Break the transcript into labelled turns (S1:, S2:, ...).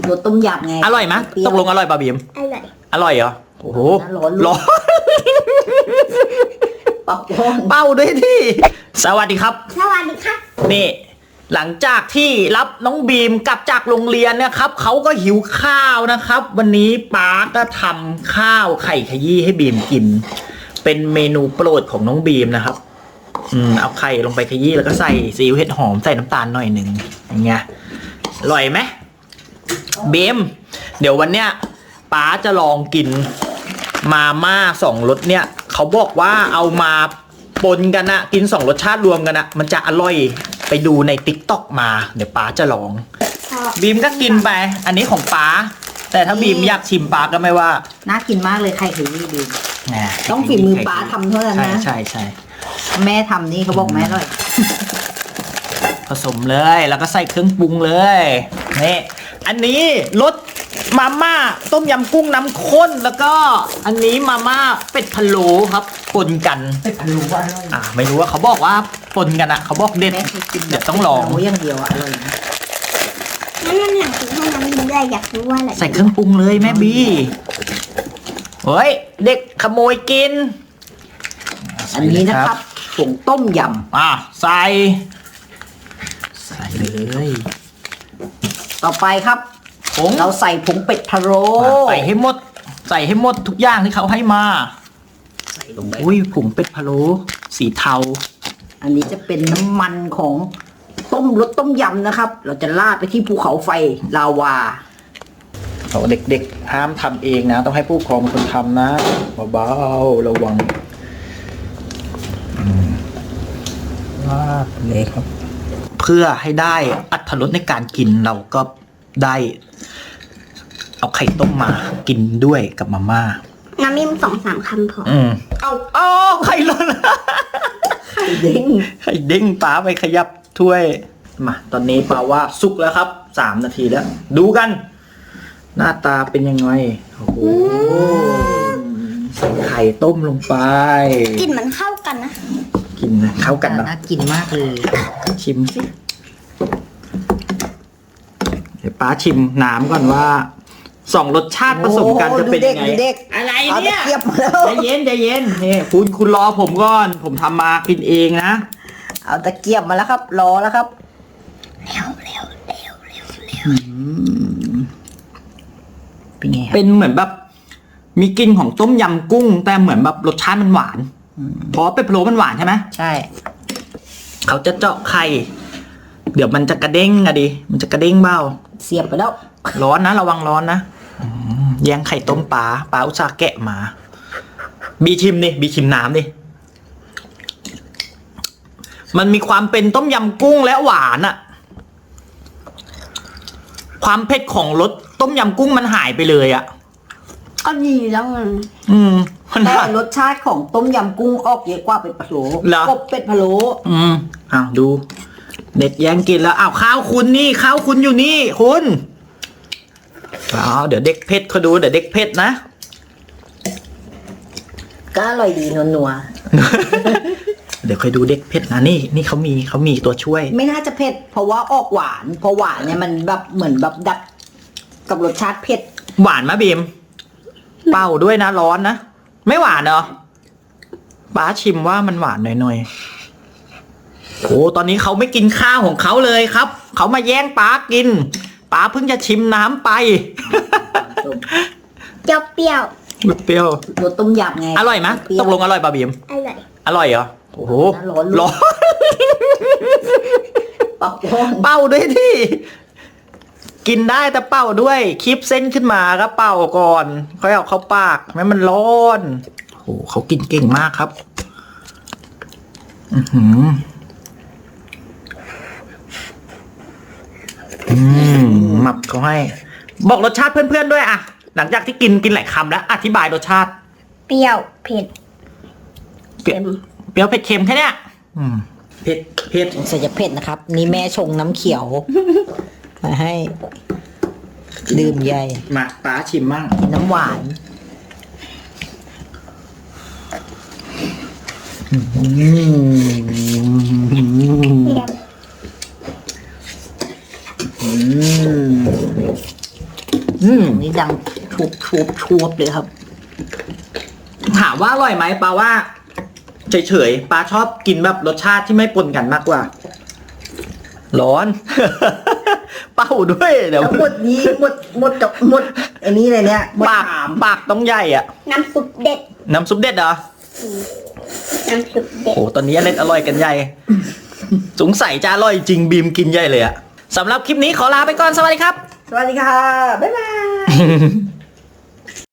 S1: รสต้มยำไง
S2: อร่อยไหมตกลงอร่อยป่ะบีม
S3: อร่อย
S2: อร่อยเหรอโอ้โห
S1: ร้อน เป่าร้อน
S2: เป้าด้วยที่สวัสดีครับ
S3: สวัสดีครับ
S2: นี่หลังจากที่รับน้องบีมกลับจากโรงเรียนนะครับเขาก็หิวข้าวนะครับ วันนี้ป๊าก็ทำข้าวไข่ขยี้ให้บีมกิน เป็นเมนูโปรดของน้องบีมนะครับเอาไข่ลงไปขยี้แล้วก็ใส่ซีอิ๊วเห็ดหอมใส่น้ำตาลหน่อยหนึ่งอย่างเงี้ยอร่อยไหมบีมเดี๋ยววันเนี้ยป๊าจะลองกินมาม่า2 รสเนี่ยเขาบอกว่าเอามาปนกันนะกิน2 รสชาติรวมกันนะมันจะอร่อยไปดูใน TikTok มาเดี๋ยวป๊าจะลองบีมก็กินไปอันนี้ของป๊าแต่ถ้าบีมอยากชิมป๊าก็ไม่ว่า
S1: น่ากินมากเลยไข่ขยี้ดี
S2: นะ
S1: ต้องฝีมือป๊าทำเท่านั้นนะ
S2: ใช่
S1: แม่ทำนี่เขาบอกแม่อร่อย
S2: ผสมเลยแล้วก็ใส่เครื่องปรุงเลยนี่อันนี้รสมาม่าต้มยำกุ้งน้ำข้นแล้วก็อันนี้มาม่าเป็ดพะโล้ครับปนกัน
S1: เป็ดพะโล้อร่อย
S2: ไม่รู้ว่าเขาบอกว่าปนกันอะเขาบอกเด็ด
S1: แม่เคยกิน
S2: เดี๋ยวต้องลอง
S1: เป็ดพะโล้อย่างเดียวอะอร่อยนะ
S3: นั่นอยากกินให้น้ำกินด้วยอยากรู้ว่าอะไร
S2: ใส่เครื่องปรุงเลยแม่บีเฮ้ยเด็กขโมยกิน
S1: อันนี้นะครับผงต้มย
S2: ใส่เลย
S1: ำต่อไปครับ
S2: ผง
S1: เราใส่ผงเป็ดพะโล้
S2: ใส่ให้หมดทุกอย่างที่เขาให้มา
S1: ใส่ลงไป
S2: อุ้ยผงเป็ดพะโล้สีเทา
S1: อันนี้จะเป็นน้ำมันของรสต้มยำนะครับ เราจะราดไปที่ภูเขาไฟลาวา
S2: เขาเด็กๆห้ามทำเองนะต้องให้ผู้ปกครองเป็นคนทำนะเบาๆระวังราดเลยครับ เพื่อให้ได้อรรถรสในการกินเราก็ได้เอาไข่ต้มมากินด้วยกับมาม่า
S3: น้ำมี2-3 คำพอ
S2: เอาไข่หล่น
S1: ไข่เด้ง
S2: ไข่เด้งป้าไปขยับถ้วยมาตอนนี้ป้าว่าสุกแล้วครับ3 นาทีแล้ว ดูกัน หน้าตาเป็นยังไงโอ้โหใส่ไข่ต้มลงไป
S3: กลิ่นมันเข้ากันนะ
S2: กินนะเข้ากันนะ
S1: น่ากินมากเลย
S2: ชิมสิเดี๋ยวป้าชิมน้ำก่อนว่า2 รสชาติผสมกันจะเป็นยังไง
S1: ดูเด็ก
S2: อะไร
S1: เอา
S2: เนี่
S1: ตะ
S2: ย
S1: เกียบมาแล้ว
S2: ใจเย็นนี่คุณรอผมก่อน ผมทำมากินเองนะ
S1: เอาตะเกียบมาแล้วครับ รอแล้วครับ เป็นไงครับ
S2: เป็นเหมือนแบบมีกลิ่นของต้มยำกุ้ง แต่เหมือนแบบรสชาติมันหวานเพราะเป็ดพะโล้มันหวานใช่ไหม
S1: ใช่
S2: เขาจะเจาะไข่เดี๋ยวมันจะกระเด้งอะดิมันจะกระเด้งเบ้า
S1: เสียบไปแล้ว
S2: ร้อนนะระวังร้อนนะแย่งไข่ต้มปลาอุตส่าห์แกะมาบีชิมดิบีชิมน้ำดิมันมีความเป็นต้มยำกุ้งและหวานอะความเผ็ดของรสต้มยำกุ้งมันหายไปเลยอะ
S3: ก็ดีแล้วมัน
S2: มัน
S1: แต่
S2: หาย
S1: รสชาติของต้มยำกุ้งออกเยอะกว่าเป็ดพะโล้
S2: เหรอ
S1: กบเป็ดพะโล้
S2: อ้าวดูเด็กแย่งกินแล้วอ้าวข้าวคุณนี่ข้าวคุณอยู่นี่คุณอ้าวเดี๋ยวเด็กเผ็ดเขาดูเดี๋ยวเด็กเผ็ดนะ
S1: ก็อร่อยดีนัว
S2: เดี๋ยวคอยดูเด็กเผ็ดนะนี่เขามีตัวช่วย
S1: ๆไม่น่าจะเผ็ดเพราะว่าออกหวานเพราะหวานเนี่ยมันแบบเหมือนแบบดับกับรสชาติเผ็ด
S2: หวานมะบีมเป่าด้วยนะร้อนนะไม่หวานเหรอป้าชิมว่ามันหวานหน่อยๆโอ้ตอนนี้เขาไม่กินข้าวของเขาเลยครับเขามาแย่งป้ากินป้าเพิ่งจะชิมน้ำไป
S3: เปรี้ยว
S2: เปรี้ยว
S1: รสต้มยำไง
S2: อร่อยไหม
S1: เปรี้ยว
S2: ตกลงอร่อยป่ะบีม
S3: อร่อย
S2: อร่อยเหรอโอ้โห
S1: ร้อน
S2: ร้อน
S1: เป่าร้อน
S2: เป่าด้วยที่กินได้แต่เป่าด้วยคลิปเส้นขึ้นมาก็เป่าก่อนค่อยเอาเข้าปากแม้มันร้อนโอ้โหเขากินเก่งมากครับหมับเขาให้ บอกรสชาติเพื่อนๆด้วยอะหลังจากที่กินหลายคำแล้วอธิบายรสชาติ
S3: เปรี้ยวเผ็ด
S2: เปรี้ยวเผ็ดเค็มแค่เนี้ยเผ็ด
S1: ใส่จะเผ็ดนะครับ นี่แม่ชงน้ำเขียว มาให้ดื่มใหญ่
S2: มาป้าชิมมั่ง
S1: กินน้ำหวาน
S3: เปรี้ยว
S1: อันนี้ดังชวบเลยครับ
S2: ถามว่าอร่อยไหมปาว่าเฉยๆปาชอบกินแบบรสชาติที่ไม่ปนกันมากกว่า ร้อน เป่าด้วยเดี๋ยว
S1: แล้วหมดนี้หมดกับหมดอันนี้เลยเนี่ยหมด
S2: ปากต้องใหญ่อ่ะ
S3: น้ำซุปเด็ด
S2: น้ำซุปเด็ดเหรอ
S3: น้ำซุปเด็ด
S2: โอ้ตอนนี้อร่อยกันใหญ่ สงสัยจะอร่อยจริงบีมกินใหญ่เลยอะสำหรับคลิปนี้ขอลาไปก่อนสวัสดีครับ
S1: สวัสดีค่ะ บ๊ายบาย